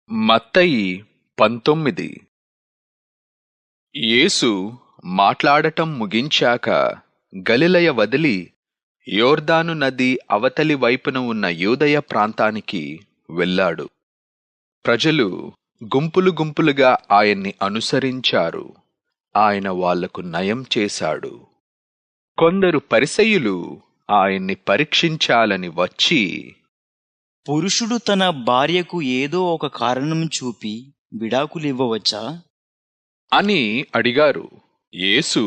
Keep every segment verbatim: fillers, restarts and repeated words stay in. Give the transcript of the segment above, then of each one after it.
మత్తయి పంతొమ్మిది. యేసు మాట్లాడటం ముగించాక గలిలయ వదిలి యోర్దాను నది అవతలి వైపున ఉన్న యూదయ ప్రాంతానికి వెళ్ళాడు. ప్రజలు గుంపులు గుంపులుగా ఆయన్ని అనుసరించారు. ఆయన వాళ్లకు నయం చేశాడు. కొందరు పరిసయ్యులు ఆయన్ని పరీక్షించాలని వచ్చి, పురుషుడు తన భార్యకు ఏదో ఒక కారణం చూపి విడాకులివ్వవచ్చా అని అడిగారు. యేసు,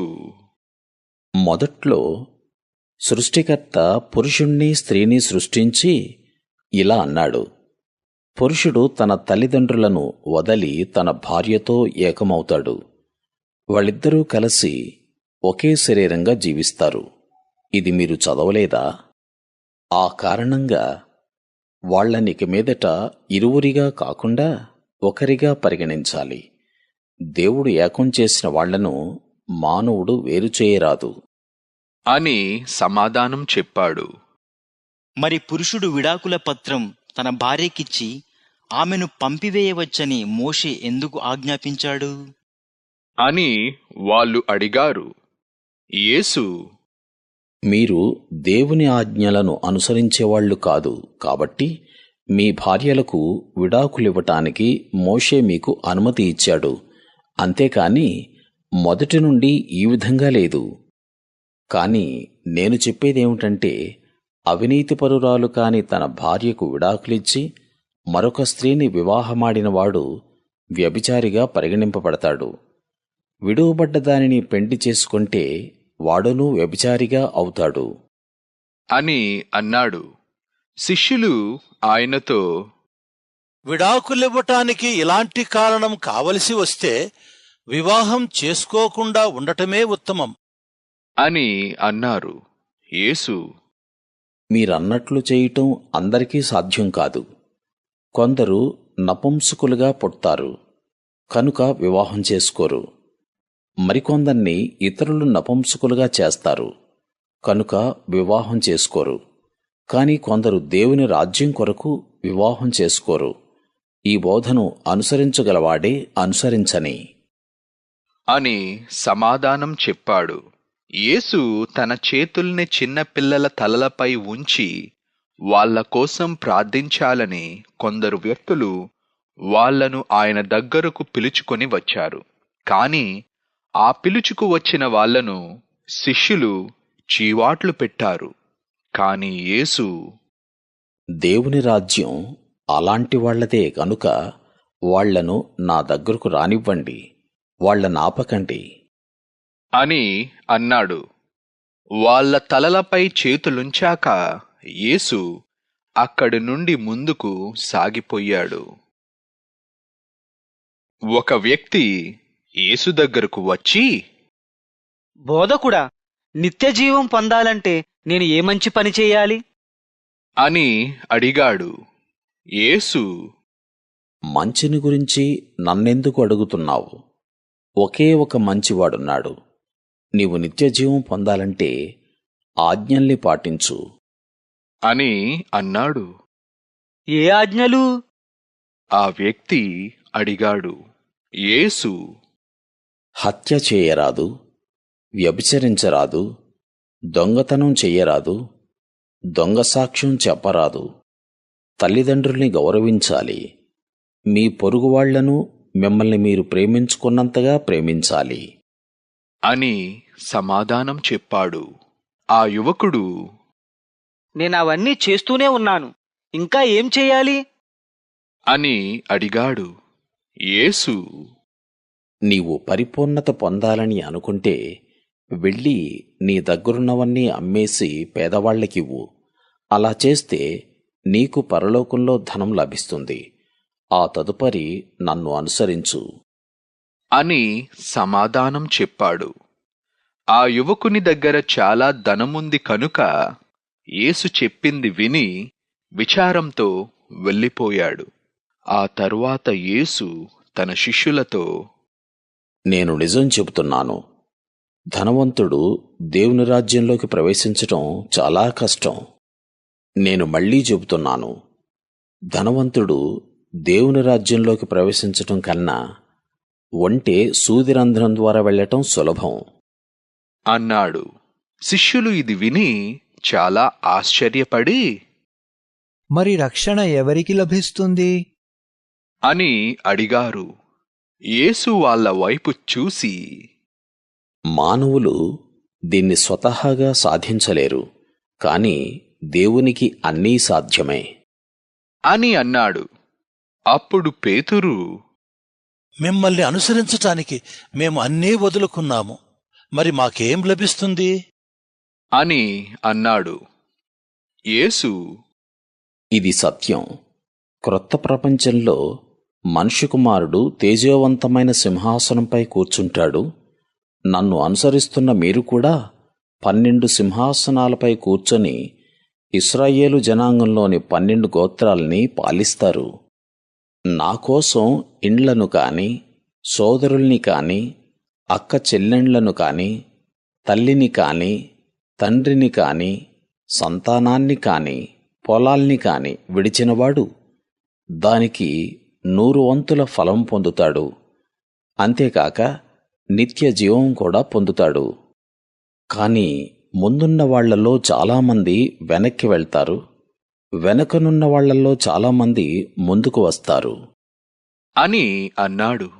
మొదట్లో సృష్టికర్త పురుషుణ్ణి స్త్రీని సృష్టించి ఇలా అన్నాడు, పురుషుడు తన తల్లిదండ్రులను వదలి తన భార్యతో ఏకమవుతాడు. వాళ్ళిద్దరూ కలిసి ఒకే శరీరంగా జీవిస్తారు. ఇది మీరు చదవలేదా? ఆ కారణంగా వాళ్ళనిక మీదట ఇరువురిగా కాకుండా ఒకరిగా పరిగణించాలి. దేవుడు ఏకం చేసిన వాళ్లను మానవుడు వేరుచేయరాదు అని సమాధానం చెప్పాడు. మరి పురుషుడు విడాకుల పత్రం తన భార్యకిచ్చి ఆమెను పంపివేయవచ్చని మోషే ఎందుకు ఆజ్ఞాపించాడు అని వాళ్ళు అడిగారు. యేసు, మీరు దేవుని ఆజ్ఞలను అనుసరించేవాళ్లు కాదు కాబట్టి మీ భార్యలకు విడాకులివ్వటానికి మోషే మీకు అనుమతి ఇచ్చాడు. అంతేకాని మొదటి నుండి ఈ విధంగా లేదు. కాని నేను చెప్పేదేమిటంటే, అవినీతిపరురాలు కాని తన భార్యకు విడాకులిచ్చి మరొక స్త్రీని వివాహమాడినవాడు వ్యభిచారిగా పరిగణింపబడతాడు. విడువబడ్డ దానిని పెండ్లి చేసుకుంటే వాడునూ వ్యభిచారిగా అవుతాడు అని అన్నాడు. శిష్యులు ఆయనతో, విడాకులివ్వటానికి ఇలాంటి కారణం కావలసి వస్తే వివాహం చేసుకోకుండా ఉండటమే ఉత్తమం అని అన్నారు. యేసు, మీరన్నట్లు చేయటం అందరికీ సాధ్యం కాదు. కొందరు నపుంసకులుగా పుడతారు కనుక వివాహం చేసుకోరు. మరికొందర్ని ఇతరులు నపుంసకులుగా చేస్తారు కనుక వివాహం చేసుకోరు. కాని కొందరు దేవుని రాజ్యం కొరకు వివాహం చేసుకోరు. ఈ బోధను అనుసరించగలవాడే అనుసరించని అని సమాధానం చెప్పాడు. యేసు తన చేతుల్ని చిన్న పిల్లల తలలపై ఉంచి వాళ్ల కోసం ప్రార్థించాలని కొందరు వ్యక్తులు వాళ్లను ఆయన దగ్గరకు పిలుచుకొని వచ్చారు. కాని ఆ పిలుచుకు వచ్చిన వాళ్లను శిష్యులు చీవాట్లు పెట్టారు. కాని యేసు, దేవుని రాజ్యం అలాంటి వాళ్లదే గనుక వాళ్లను నా దగ్గరకు రానివ్వండి, వాళ్లనాపకండి అని అన్నాడు. వాళ్ల తలలపై చేతులుంచాక యేసు అక్కడి నుండి ముందుకు సాగిపోయాడు. ఒక వ్యక్తి యేసు దగ్గరకు వచ్చి, బోధకుడా, నిత్యజీవం పొందాలంటే నేను ఏ మంచి పని చేయాలి అని అడిగాడు. యేసు, మంచిని గురించి నన్నెందుకు అడుగుతున్నావు? ఒకే ఒక మంచివాడున్నాడు. నీవు నిత్యజీవం పొందాలంటే ఆజ్ఞల్ని పాటించు అని అన్నాడు. ఏ ఆజ్ఞలు? ఆ వ్యక్తి అడిగాడు. యేసు, హత్య చేయరాదు, వ్యభిచరించరాదు, దొంగతనం చెయ్యరాదు, దొంగ సాక్ష్యం చెప్పరాదు, తల్లిదండ్రుల్ని గౌరవించాలి, మీ పొరుగువాళ్లను మిమ్మల్ని మీరు ప్రేమించుకున్నంతగా ప్రేమించాలి అని సమాధానం చెప్పాడు. ఆ యువకుడు, నేనవన్నీ చేస్తూనే ఉన్నాను, ఇంకా ఏం చెయ్యాలి అని అడిగాడు. యేసు, నీవు పరిపూర్ణత పొందాలని అనుకుంటే వెళ్ళి నీ దగ్గరున్నవన్నీ అమ్మేసి పేదవాళ్లకివ్వు. అలా చేస్తే నీకు పరలోకంలో ధనం లభిస్తుంది. ఆ తదుపరి నన్ను అనుసరించు అని సమాధానం చెప్పాడు. ఆ యువకుని దగ్గర చాలా ధనముంది కనుక యేసు చెప్పింది విని విచారంతో వెళ్ళిపోయాడు. ఆ తరువాత యేసు తన శిష్యులతో, నేను నిజం చెబుతున్నాను, ధనవంతుడు దేవుని రాజ్యంలోకి ప్రవేశించటం చాలా కష్టం. నేను మళ్లీ చెబుతున్నాను, ధనవంతుడు దేవుని రాజ్యంలోకి ప్రవేశించటం కన్నా ఒంటె సూదిరంధ్రం ద్వారా వెళ్ళటం సులభం అన్నాడు. శిష్యులు ఇది విని చాలా ఆశ్చర్యపడి మరి రక్షణ ఎవరికి లభిస్తుంది అని అడిగారు. యేసు వాళ్ళ వైపు చూసి, మానవులు దీన్ని స్వతహాగా సాధించలేరు, కాని దేవునికి అన్నీ సాధ్యమే అని అన్నాడు. అప్పుడు పేతురు, మిమ్మల్ని అనుసరించటానికి మేము అన్నీ వదులుకున్నాము, మరి మాకేం లభిస్తుంది అని అన్నాడు. యేసు, ఇది సత్యం. క్రొత్త ప్రపంచంలో మనుష్య కుమారుడు తేజోవంతమైన సింహాసనంపై కూర్చుంటాడు. నన్ను అనుసరిస్తున్న మీరు కూడా పన్నెండు సింహాసనాలపై కూర్చొని ఇశ్రాయేలు జనాంగంలోని పన్నెండు గోత్రాల్ని పాలిస్తారు. నాకోసం ఇండ్లను కాని, సోదరుల్ని కాని, అక్క చెల్లెండ్లను కాని, తల్లిని కాని, తండ్రిని కాని, సంతానాన్ని కాని, పొలాల్ని కాని విడిచినవాడు దానికి నూరు వంతుల ఫలం పొందుతాడు. అంతేకాక నిత్య జీవం కూడా పొందుతాడు. కాని ముందున్న వాళ్లలో చాలామంది వెనక్కి వెళ్తారు, వెనకనున్న వాళ్లలో చాలామంది ముందుకు వస్తారు అని అన్నాడు.